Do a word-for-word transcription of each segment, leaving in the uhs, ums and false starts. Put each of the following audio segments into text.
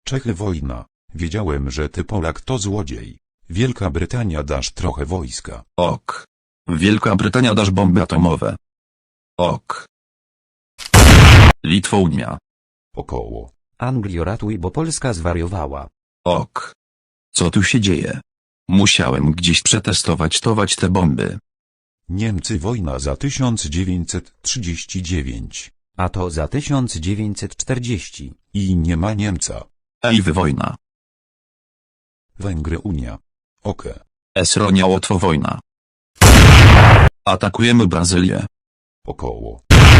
Czechy wojna. Wiedziałem, że ty Polak to złodziej. Wielka Brytania dasz trochę wojska. Ok. Wielka Brytania dasz bomby atomowe. Ok. Litwounia. Około. Anglio ratuj, bo Polska zwariowała. Ok. Co tu się dzieje? Musiałem gdzieś przetestować tować te bomby. Niemcy wojna za tysiąc dziewięćset trzydzieści dziewięć. A to za tysiąc dziewięćset czterdzieści. I nie ma Niemca. Ej wy wojna. Węgry Unia. Oke. Esronia Łotwo wojna. Atakujemy Brazylię. Około.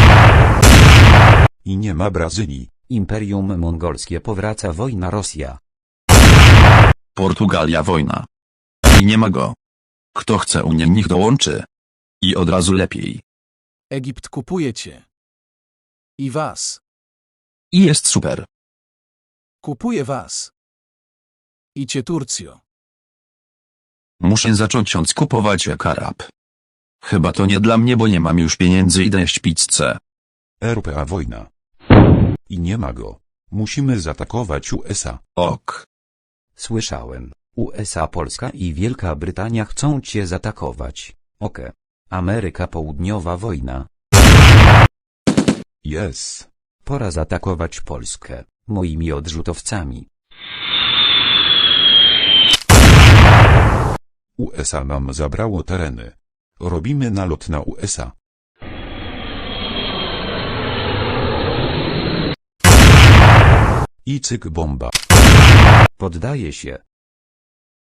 I nie ma Brazylii. Imperium Mongolskie powraca wojna Rosja. Portugalia wojna. I nie ma go. Kto chce Unię niech dołączy. I od razu lepiej. Egipt kupuje cię. I was. I jest super. Kupuje was. I cię Turcjo. Muszę zacząć ją kupować jak Arab. Chyba to nie dla mnie, bo nie mam już pieniędzy i jeść pizzę. R P A wojna. I nie ma go. Musimy zaatakować U S A. Ok. Słyszałem. U S A, Polska i Wielka Brytania chcą cię zaatakować. Oke. Ameryka Południowa wojna. Yes. Pora zaatakować Polskę, moimi odrzutowcami. U S A nam zabrało tereny. Robimy nalot na U S A. I cyk bomba. Poddaję się.